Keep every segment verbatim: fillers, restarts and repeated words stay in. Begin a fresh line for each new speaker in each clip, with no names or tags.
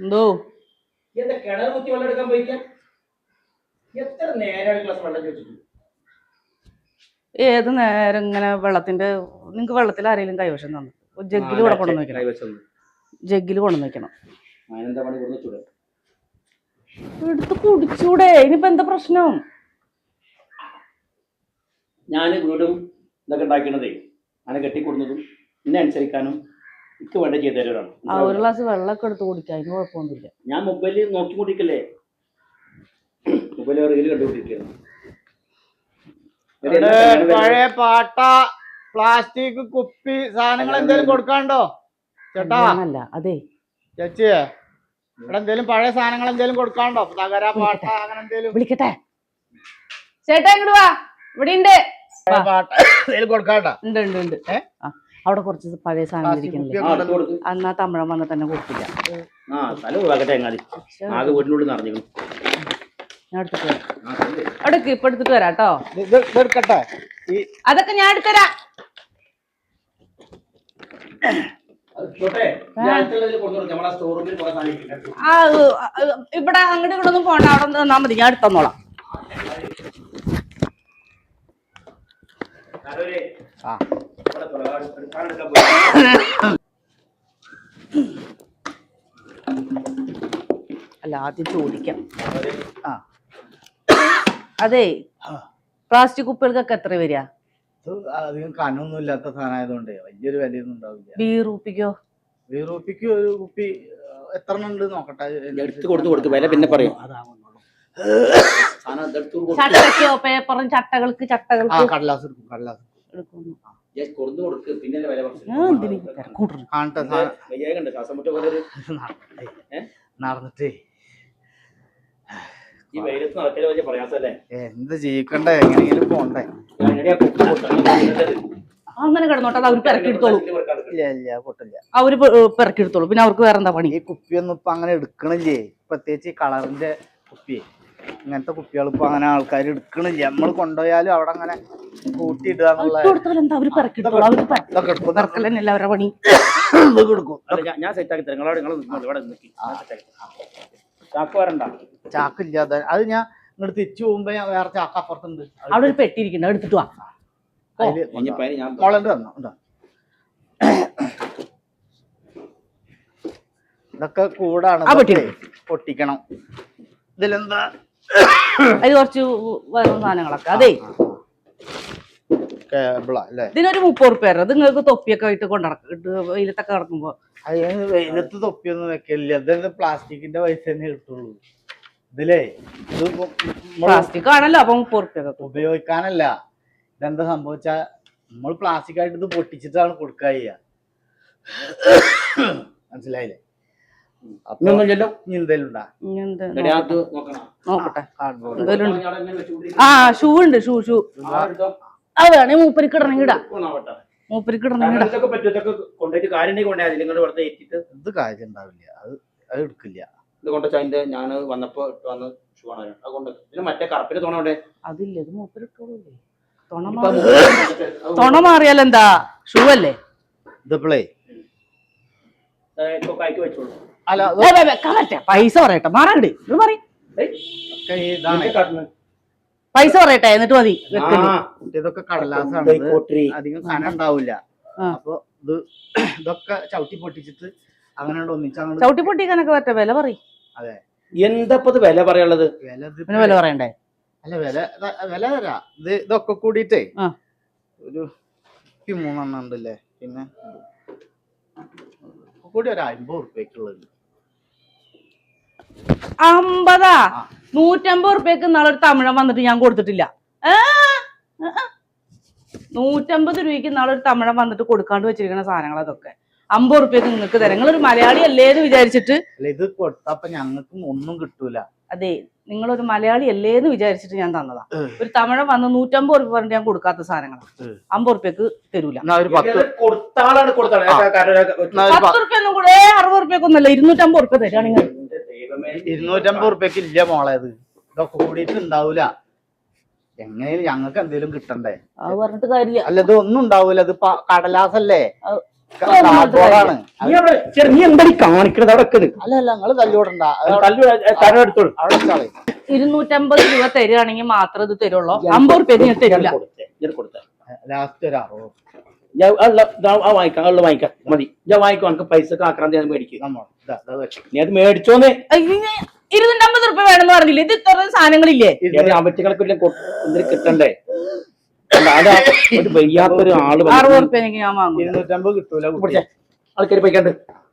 എന്തോ
എന്താ കിണർ കുത്തി വെള്ളം എടുക്കാൻ പോയിക്കാം? എത്ര നേരം ഗ്ലാസ് വെള്ളം ചോദിച്ചിട്ട്?
ഏത് നേരം ഇങ്ങനെ വെള്ളത്തിന്റെ നിങ്ങക്ക് വെള്ളത്തിൽ ആരെങ്കിലും കൈവശം തന്നു ജഗ്ഗിൽ കൂടെ കൊണ്ടു വെക്കണം. ജഗ്ഗിൽ കൊണ്ടു വെക്കണം. എടുത്ത് കുടിച്ചൂടെ? ഇനിയിപ്പോ എന്താ പ്രശ്നം?
ഞാൻ വീടും ഇതൊക്കെ ഉണ്ടാക്കണതേ അങ്ങനെ കെട്ടിക്കൊടുന്നതും എന്നെ അനുസരിക്കാനും എനിക്ക് വേണ്ട ചെയ്തു തരാനാണ്.
ആ ഒരു ഗ്ലാസ് വെള്ളമൊക്കെ എടുത്ത് കുടിക്കാം, അതിന് കുഴപ്പമൊന്നുമില്ല.
ഞാൻ മൊബൈലിൽ നോക്കിക്കൊണ്ടിരിക്കല്ലേ, മൊബൈൽ റീല് കണ്ടുകൊണ്ടിരിക്കുന്നു.
പഴയ പാട്ട പ്ലാസ്റ്റിക് കുപ്പി സാധനങ്ങൾ എന്തെങ്കിലും കൊടുക്കാണ്ടോ ചേട്ടാ?
അല്ല അതെ
ചേച്ചിയെ ഇവിടെ എന്തേലും പഴയ സാധനങ്ങൾ എന്തേലും കൊടുക്കാണ്ടോ? തകര പാട്ട അങ്ങനെ എന്തേലും
വിളിക്കട്ടെ. ചേട്ടാ ഇങ്ങോട്ട് വാ, ഇവിടെ ഉണ്ട്
പാട്ട എന്തേലും കൊടുക്കാണ്ടോ?
ഉണ്ട് ഉണ്ട് ഉണ്ട്. അവിടെ കുറച്ച് പഴയ സാധനം ഇരിക്കുന്നില്ലേ, എന്നാ തമിഴൻ വന്ന് തന്നെ കൊടുത്തില്ല. ഞാൻ എടുത്തിട്ട് വരാം. എടുക്ക്, ഇപ്പൊ എടുത്തിട്ട് വരാം കേട്ടോ.
എടുക്കട്ടെ,
അതൊക്കെ ഞാൻ എടുത്തരാം. ഇവിടെ അങ്ങോട്ട് ഇവിടെ ഒന്നും പോണ്ട, അവിടെ നിന്നാ മതി, ഞാൻ എടുത്തോളാം. അല്ല ആദ്യം ചോദിക്കാം. ആ അതെ, പ്ലാസ്റ്റിക് കുപ്പികൾക്കൊക്കെ എത്ര വരിക?
അധികം കനൊന്നും ഇല്ലാത്ത സാധനമായതുകൊണ്ട് വലിയൊരു വിലയൊന്നും ഉണ്ടാവില്ല.
ബീറൂപ്പിക്കോ?
ബീറൂപ്പിക്ക് ഒരു കുപ്പി എത്ര ഉണ്ട് നോക്കട്ടെ,
എടുത്ത് കൊടുത്ത് കൊടുത്ത് വില പിന്നെ പറയും.
ചട്ടക്കോ പേപ്പറും ചട്ടകൾക്ക് ചട്ടകൾക്ക്
കടലാസ് എടുക്കും, കടലാസ്
എടുക്കുന്നു.
നടന്നിട്ടേ
എന്ത്
ജീവിക്കണ്ടേ, എങ്ങനെയെങ്കിലും പോണ്ടേ.
അങ്ങനെ കിടന്നോട്ടെ, അത് അവർക്ക് ഇറക്കിയെടുത്തോളൂ.
ഇല്ല ഇല്ല പൊട്ടില്ല,
അവര് ഇറക്കിയെടുത്തോളൂ. പിന്നെ അവർക്ക് വേറെ എന്താ പണി?
ഈ കുപ്പിയൊന്നും ഇപ്പൊ അങ്ങനെ എടുക്കണില്ലേ, പ്രത്യേകിച്ച് ഈ കളറിന്റെ കുപ്പി, ഇങ്ങനത്തെ കുപ്പികൾ ഇപ്പൊ അങ്ങനെ ആൾക്കാർ എടുക്കണില്ല. നമ്മൾ കൊണ്ടുപോയാലും അവിടെ അങ്ങനെ കൂട്ടിയിടുക എന്നുള്ള അവരുടെ പണി.
ഞാൻ സെറ്റാക്കി തരാം, ചാക്ക് വരണ്ട.
ചാക്കില്ലാതെ അത് ഞാൻ ഇങ്ങോട്ട് തിരിച്ചു പോകുമ്പോ ഞാൻ വേറെ ചാക്ക് അപ്പുറത്തുണ്ട്,
അവിടെ ഒരു പെട്ടി ഇരിക്കണ്ട, എടുത്തിട്ട് വാ.
മോളണ്ട് തന്നോ. ഇതൊക്കെ കൂടാണ്, പൊട്ടിക്കണം. ഇതിലെന്താ
അത് കുറച്ച് വേറെ സാധനങ്ങളൊക്കെ. അതെ ഇതിനൊരു മുപ്പത് റുപ്യ. അത് നിങ്ങൾക്ക് തൊപ്പിയൊക്കെ ആയിട്ട് കൊണ്ടിറക്കിട്ട് വെയിലത്തൊക്കെ കിടക്കുമ്പോ.
അതിന് വെയിലത്ത് തൊപ്പിയൊന്നും വെക്കില്ല, ഇത് പ്ലാസ്റ്റിക്കിന്റെ പൈസ തന്നെ കിട്ടുള്ളൂ. ഇതിലേ ഇത്
പ്ലാസ്റ്റിക് ആണല്ലോ, അപ്പൊ മുപ്പത് റുപ്യ
ഉപയോഗിക്കാനല്ല. ഇതെന്താ സംഭവിച്ചാ നമ്മൾ പ്ലാസ്റ്റിക് ആയിട്ട് ഇത് പൊട്ടിച്ചിട്ടാണ് കൊടുക്കുക ചെയ്യുക, മനസ്സിലായില്ലേ?
നോക്കട്ടെ, ആ ഷൂ ഉണ്ട്, ഷൂ ഷൂ അത് വേണേ മൂപ്പരിക്ക് ഇടണമെങ്കിൽ ഇടാം. മൂപ്പരിക്ക് ഇടണമെങ്കിൽ
ഇത് കാര്യം ഉണ്ടാവില്ല, അത് അത് എടുക്കില്ല.
ഇത് കൊണ്ടുവച്ചാ ഞാൻ വന്നപ്പോ വന്ന് ഷൂ ആണ് മറ്റേ കറുപ്പിന്റെ തോണ
അതില്ല, ഇത് മൂപ്പരിട്ടോളൂ. തൊണ മാറിയാലെന്താ, ഷൂ അല്ലേ
ഇതിപ്പളേ.
വെച്ചോളൂ.
അല്ല
പൈസ പറയട്ടെ, മാറാണ്ട് ഇത് പറയും. പൈസ പറയട്ടെ എന്നിട്ട് മതി.
ഇതൊക്കെ കടലാസാണ്, അധികം കനം ഉണ്ടാവില്ല. അപ്പൊ ഇത് ഇതൊക്കെ ചവിട്ടി പൊട്ടിച്ചിട്ട് അങ്ങനെ ഒന്നിച്ചാണ്.
ചവിട്ടി പൊട്ടിക്കാനൊക്കെ പറ്റ വില പറയും.
അതെ,
എന്തപ്പത് വില പറയാനുള്ളത്?
വില
വില പറയണ്ടേ?
അല്ല വില വില തരാ. ഇത് ഇതൊക്കെ കൂടിയിട്ടേ ഒരു മൂന്നെണ്ണം ഉണ്ടല്ലേ, പിന്നെ കൂടി ഒരു അമ്പത് ഉറുപ്പ്യക്കുള്ളത്.
അമ്പതാ? നൂറ്റമ്പത് റുപ്യക്ക് നാളെ ഒരു തമിഴൻ വന്നിട്ട് ഞാൻ കൊടുത്തിട്ടില്ല. നൂറ്റമ്പത് രൂപയ്ക്ക് നാളെ ഒരു തമിഴൻ വന്നിട്ട് കൊടുക്കാണ്ട് വെച്ചിരിക്കുന്ന സാധനങ്ങൾ അതൊക്കെ അമ്പത് റുപ്യക്ക് നിങ്ങൾക്ക് തരാം. നിങ്ങളൊരു മലയാളി അല്ലേന്ന് വിചാരിച്ചിട്ട്
ഇത് കൊടുത്തപ്പോ ഞങ്ങൾക്കും ഒന്നും കിട്ടൂല.
അതെ, നിങ്ങളൊരു മലയാളി അല്ലേന്ന് വിചാരിച്ചിട്ട് ഞാൻ തന്നതാ. ഒരു തമിഴൻ വന്ന് നൂറ്റമ്പത് റുപ്യ പറഞ്ഞിട്ട് ഞാൻ കൊടുക്കാത്ത സാധനങ്ങളാണ്. അമ്പത് റുപ്യക്ക് തരൂല. പത്ത് റുപ്യ ഒന്നും കൂടെ അറുപത് റുപ്യക്കൊന്നല്ല, ഇരുന്നൂറ്റമ്പത് റുപ്യ തരാണെങ്കിൽ.
ഇരുന്നൂറ്റമ്പത് റുപ്യക്ക് ഇല്ല മോളെ, ഇത് ഇതൊക്കെ കൂടിയിട്ട് ഉണ്ടാവൂല. എങ്ങനെയും ഞങ്ങൾക്ക് എന്തെങ്കിലും കിട്ടണ്ടേ?
അത് പറഞ്ഞിട്ട് കാര്യമില്ല.
അല്ല ഇത് ഒന്നും ഉണ്ടാവൂല, ഇത് കടലാസല്ലേ. കാർഡ്ബോർഡാണ്.
നീ അവിടെ ചെറു നീ എന്താ കാണിക്കണത് അവിടെ വെക്കത്?
അല്ല അല്ല നിങ്ങള് തല്ലുകൂടണ്ട,
തല്ലു തരം എടുത്തോളൂ.
അവിടെ വെച്ചാളെ.
ഇരുന്നൂറ്റമ്പത് രൂപ തരുവാണെങ്കിൽ മാത്രം ഇത് തരുള്ളൂ. അമ്പത് റുപ്യ ഞാൻ തരില്ല.
കൊടുത്തേ
ലാസ്റ്റ് ഒരു അറുപത്
വാങ്ങിക്കാം ഉള്ള വാങ്ങിക്കാം മതി. ഞാൻ വാങ്ങിക്കും. എനിക്ക് പൈസ ആക്രാന്തി ഞാൻ മേടിക്കും.
നമ്മൾ
നീ അത് മേടിച്ചോന്നേ.
ഇരുന്നൂറ്റമ്പത് റുപ്യ വേണമെന്ന് പറഞ്ഞില്ലേ? ഇത് ഇത്ര സാധനങ്ങളില്ലേ?
അവറ്റകൾക്ക് എന്തിനു കിട്ടണ്ടേ? അത് ഒരു വയ്യാത്തൊരു ആള്
അറുപത് റുപ്യ എനിക്ക് ഞാൻ വാങ്ങും.
ഇരുന്നൂറ്റമ്പത് കിട്ടൂല.
ആൾക്കാർ പോയിക്കാണ്ട്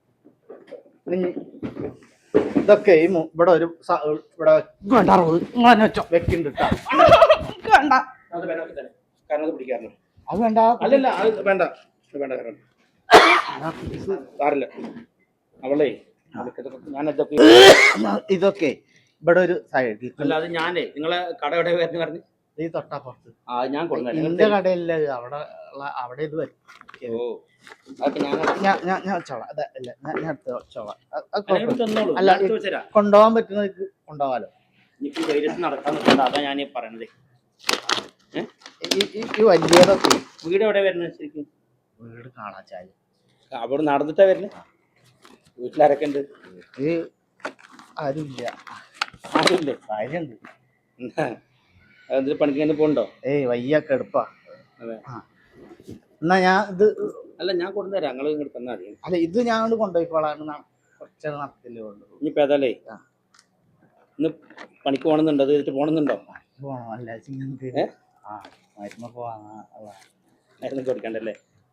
ഇതൊക്കെ ഈ മു- ഇവിടെ ഒരു സ- ഇവിടെ
വേണ്ട അറുപത് നിങ്ങൾ തന്നെ വെച്ചോ.
വെക്കുന്നുണ്ട് ട്ടാ.
വേണ്ട
കാരണം പിടിക്കാറുണ്ട്.
അത് വേണ്ട.
അല്ലല്ല അത് വേണ്ട വേണ്ട സാറില്ല അവളെ ഞാൻ ഇതൊക്കെ
ഇതൊക്കെ ഇവിടെ ഒരു സൈഡ്.
അല്ല അത് ഞാനേ നിങ്ങളെ കട എവിടെ വരുന്ന പറഞ്ഞു
ഈ തൊട്ടപ്പുറത്ത്
ആ ഞാൻ കൊണ്ടുവരാം.
എന്റെ കടയില്ല, അവിടെ ഉള്ള- അവിടെ ഇത് വരും.
ഓ അതൊക്കെ ഞാൻ
ഞാൻ ഞാൻ ഞാൻ വെച്ചോളാം. അതെ അല്ല ഞാൻ ഞാൻ എടുത്ത് വെച്ചോളാം. അത് അത്
അല്ലെങ്കിൽ
കുഴപ്പമില്ല.
തന്നോളൂ.
അല്ല,
ഞാൻ എടുത്ത് വെച്ചുതരാം.
കൊണ്ടുപോകാൻ പറ്റുന്നവർക്ക് കൊണ്ടുപോകാലോ.
എനിക്ക് ധൈര്യത്തിൽ നടക്കാൻ നിൽക്കണ്ട. അതാ ഞാൻ പറയണത്. ഏഹ്
ഈ- ഈ ഈ വലിയതൊക്കെ
വീട് എവിടെ വരുന്നത് ശരിക്കും?
വീട് കാണാച്ചാല്
അവിടെ നടന്നിട്ടാ വരുന്നത്. വീട്ടിലാരൊക്കെ ഉണ്ട്?
വീട്ടില് ആരുമില്ല.
ആരുമില്ലേ?
കാര്യമുണ്ട്.
എന്തിന് പണിക്ക് തന്നെ പോകണ്ടോ?
ഏയ് വയ്യൊക്കെ എടുപ്പാ.
അതെ.
എന്നാ ഞാൻ ഇത്
അല്ല ഞാൻ കൊണ്ടുതരാം. ഞങ്ങൾ ഇങ്ങോട്ട് തന്നാ മതി.
അല്ല ഇത് ഞാൻ കൊണ്ട് കൊണ്ടുപോയിക്കോളാം. കുറച്ച് നടത്തില്ലേ കൊണ്ടുപോകും.
ഇനിയിപ്പോ ഏതാലേ ഇന്ന് പണിക്ക് പോകണമെന്നുണ്ടോ? അത് ചെയ്തിട്ട് പോകണമെന്നുണ്ടോ?
പോണോ? അല്ല ചിങ്ങക്ക്
ഏ?
ആ മരുന്ന് പോവാ.
മരുന്ന് കൊടുക്കണ്ടല്ലേ?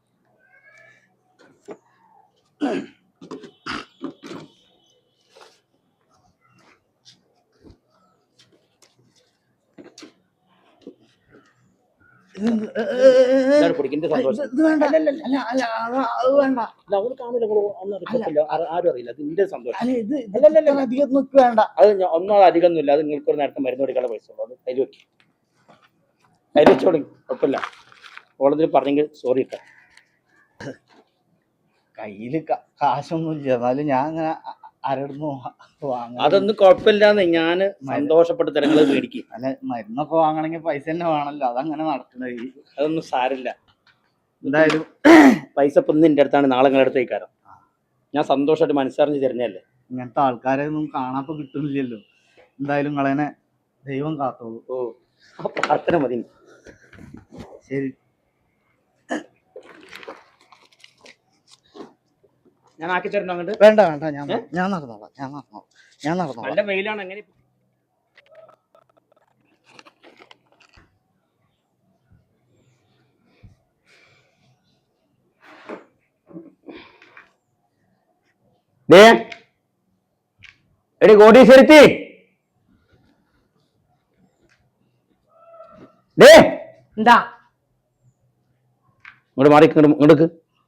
പിടിക്കേണ്ട സന്തോഷം.
ഇത് വേണ്ട. അല്ല അല്ല അല്ല അത് അത് വേണ്ട.
അവൾ കാണില്ല. ഒന്നും അറിയില്ല. ആരും അറിയില്ല. അത് നിന്റെ സന്തോഷം.
അല്ല ഇത് ഇതല്ല അധികം നിൽക്ക് വേണ്ട.
അത് ഒന്നും അധികം ഒന്നുമില്ല. അത് നിങ്ങൾക്ക് ഒരു നേരത്തെ മരുന്ന് കൊടുക്കാനുള്ള പൈസ ഉള്ളൂ. അത് കയ്യിൽ വെക്കും. കയ്യിൽ വെച്ചോളി. കുഴപ്പമില്ല. ഓളതിൽ പറഞ്ഞെങ്കിൽ സോറി ഇട്ട
കയ്യില് കാശൊന്നും ഇല്ല. എന്നാലും ഞാൻ അങ്ങനെ ആരോടുന്ന് വാങ്ങ.
അതൊന്നും കുഴപ്പമില്ലാന്ന് ഞാൻ സന്തോഷപ്പെട്ട് തരങ്ങൾ മേടിക്കും.
അല്ല മരുന്നൊക്കെ വാങ്ങണമെങ്കിൽ പൈസ തന്നെ വേണമല്ലോ. അതങ്ങനെ നടക്കുന്നത്.
അതൊന്നും സാരില്ല.
എന്തായാലും
പൈസ ഇപ്പം ഇന്ന് എൻ്റെ അടുത്താണ്, നാളെ നിങ്ങളുടെ അടുത്തേക്കാരം. ഞാൻ സന്തോഷമായിട്ട് മനസ്സറിഞ്ഞ് തരുന്നതല്ലേ.
ഇങ്ങനത്തെ ആൾക്കാരെ ഒന്നും കാണാപ്പോ കിട്ടുന്നില്ലല്ലോ. എന്തായാലും നിങ്ങളെന്നെ ദൈവം കാത്തോളൂ.
ഓ ആ പ്രാർത്ഥന മതി.
ശരി.
ഞാൻ ആക്കി തരണോ അങ്ങോട്ട്?
വേണ്ട വേണ്ട ഞാൻ ഞാൻ നടന്നോളാം. ഞാൻ നടന്നോളാം ഞാൻ നടന്നോളാം.
നല്ല വെയിലാണ്. എങ്ങനെ എടി കോടീശ്വരത്തി ഡേ
എന്താ
ഇങ്ങോട്ട് മാറി ഇങ്ങോട്ട്.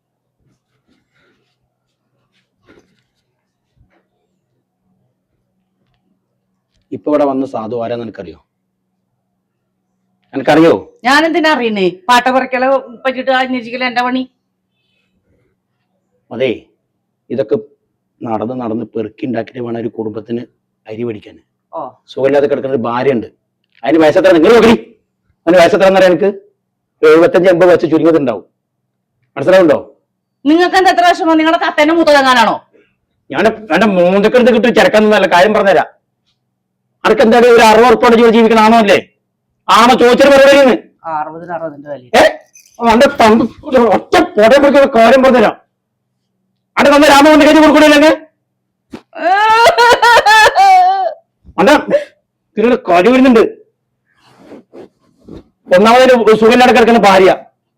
ഇപ്പൊ ഇവിടെ വന്ന സാധു ആരാന്ന് എനിക്കറിയോ? എനിക്കറിയോ?
ഞാൻ എന്തിനാ അറിയണേ? പാട്ട പറിക്കല പറ്റിട്ട് അന്വേഷിക്കല എന്റെ പണി.
അതെ ഇതൊക്കെ നടന്ന് നടന്ന് പെറുക്കി ഉണ്ടാക്കിയിട്ട് വേണം ഒരു കുടുംബത്തിന് അരി മേടിക്കാൻ.
ഓ
സുഖമില്ലാതെ കിടക്കുന്ന ഒരു ഭാര്യ ഉണ്ട്. അതിന് വയസ്സെത്ര നിങ്ങൾ നോക്കി? അതിന് വയസ്സെത്ര എന്നറിയാം എനിക്ക്? എഴുപത്തഞ്ച് എൺപത് വെച്ച് ചുരുങ്ങതുണ്ടാവും. മനസ്സിലാവുണ്ടോ?
നിങ്ങൾക്ക് എന്താ എത്ര വിഷമോ? നിങ്ങളെ കത്തന്നെ മൂത്തതങ്ങാനാണോ?
ഞാൻ എന്റെ മൂന്നക്കെടുത്ത് കിട്ടി ചിരക്കാന്നല്ല കാര്യം പറഞ്ഞുതരാം. അനക്ക് എന്തായാലും ഒരു അറുപത് ഉറപ്പോടെ ജോലി ജീവിക്കണാണോ അല്ലേ? ആണോ ചോദിച്ചൊരു പറയുന്നത്?
അറുപതിന് അറുപതിന്റെ വില
ഏഹ് അന്റെ തമ്പ് ഒറ്റ പൊടയെ കുറിച്ച് കാര്യം പറഞ്ഞുതരാം. അന്റെ തന്നെ രാമകൊണ്ട് കഴിഞ്ഞ് കൊടുക്കൂലേ? അണ്ട ഇതിനൊരു കാര്യം വരുന്നുണ്ട്. ഒന്നാമതൊരു സുഖമില്ലാതെ കിടക്കുന്ന ഭാര്യ.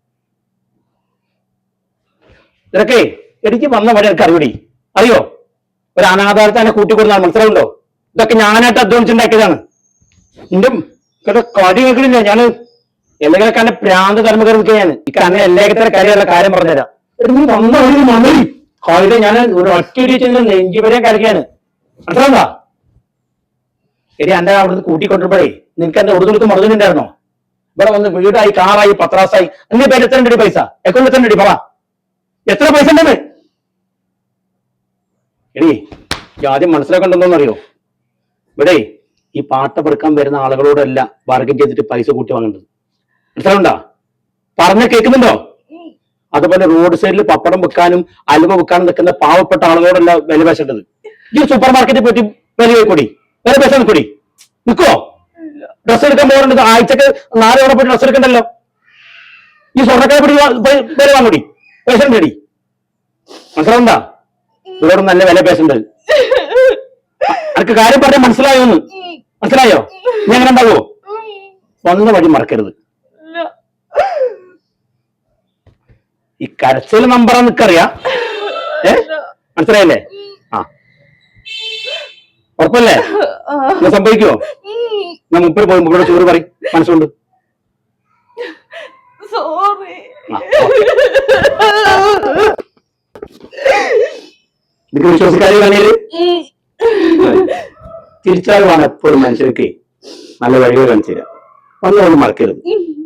ഇതൊക്കെ എനിക്ക് വന്ന വഴി എനിക്ക് അറിയൂടി. അറിയോ? ഒരു അനാഥാരത്തെ എന്നെ കൂട്ടിക്കൊടുന്നാണ്. മനസ്സിലാവുണ്ടോ? ഇതൊക്കെ ഞാനായിട്ട് അധ്വാനിച്ചുണ്ടാക്കിയതാണ്. എന്റെ കാര്യം കേൾക്കണില്ല. ഞാൻ എന്തെങ്കിലുമൊക്കെ എന്നെ പ്രാന്ത് തലമ കയറി നിൽക്കുക. ഞാൻ എനിക്ക് അങ്ങനെ എല്ലാത്തരം കാര്യമുള്ള കാര്യം പറഞ്ഞുതരാം. നീ വന്ന വഴി മണി കാര്യം ഞാൻ ഒരു ഒറ്റ നെഞ്ചി വരെ കളിക്കാണ്. മനസ്സിലാവുക? ശരി എന്റെ അവിടുന്ന് കൂട്ടിക്കൊണ്ടിരുമ്പോഴേ നിനക്ക് എന്റെ ഉറുദുടുത്ത് മറുതുണ്ടായിരുന്നോ? ഇവിടെ വന്ന് വീടായി കാറായി പത്രാസായി എന്റെ പേര് എത്ര ഉണ്ട് പൈസ? അക്കൗണ്ടിൽ എത്ര ഉണ്ട്? പറ എത്ര പൈസ ഉണ്ടെന്ന്. എടി ആദ്യം മനസ്സിലാക്കണ്ടെന്നോന്ന് അറിയോ? ഇവിടെ ഈ പാട്ട പെറുക്കാൻ വരുന്ന ആളുകളോടല്ല ബാർഗൻ ചെയ്തിട്ട് പൈസ കൂട്ടി വാങ്ങേണ്ടത്. മനസ്സിലാവുണ്ടോ? പറഞ്ഞ കേൾക്കുന്നുണ്ടോ? അതുപോലെ റോഡ് സൈഡിൽ പപ്പടം വെക്കാനും അലുവ വെക്കാനും നിൽക്കുന്ന പാവപ്പെട്ട ആളുകളോടല്ല വില പേശേണ്ടത്. ഈ സൂപ്പർ മാർക്കറ്റിൽ പോയിട്ട് വില പോയിക്കൂടി, വില പേശ നിൽക്കൂടി, നിൽക്കോ? ഡ്രസ് എടുക്കാൻ പോകേണ്ടത് ആഴ്ചക്ക് നാല് തവണ പോയിട്ട് ഡ്രസ് എടുക്കണ്ടല്ലോ. ഈ സ്വർണ്ണക്കാരെ പിടി വില വാങ്ങൂടി, പേശണ്ടടി. മനസ്സിലാവണ്ട? ഇവരോട് നല്ല വില പേശേണ്ടത്. അനക്ക് കാര്യം പറഞ്ഞാൽ മനസ്സിലായോന്ന്? മനസ്സിലായോ? നീ അങ്ങനെ ഉണ്ടാവോ? സ്വന്തം വഴി മറക്കരുത്. ഈ കരച്ചിൽ നമ്പർ നിക്കറിയാം. ഏ മനസ്സിലായല്ലേ? ആ ഉറപ്പല്ലേ? സംഭവിക്കുമോ? ഞാൻ മുപ്പത് പോയി മുപ്പത് ചോറ് പറയും മനസ്സുകൊണ്ട്. നിനക്ക് വിശ്വസിക്കാതെ പറഞ്ഞാല് തിരിച്ചറിവാണ് എപ്പോഴും മനുഷ്യർക്ക് നല്ല വഴികൾ കാണിച്ചു തരാം. ഒന്നും മറക്കരുത്.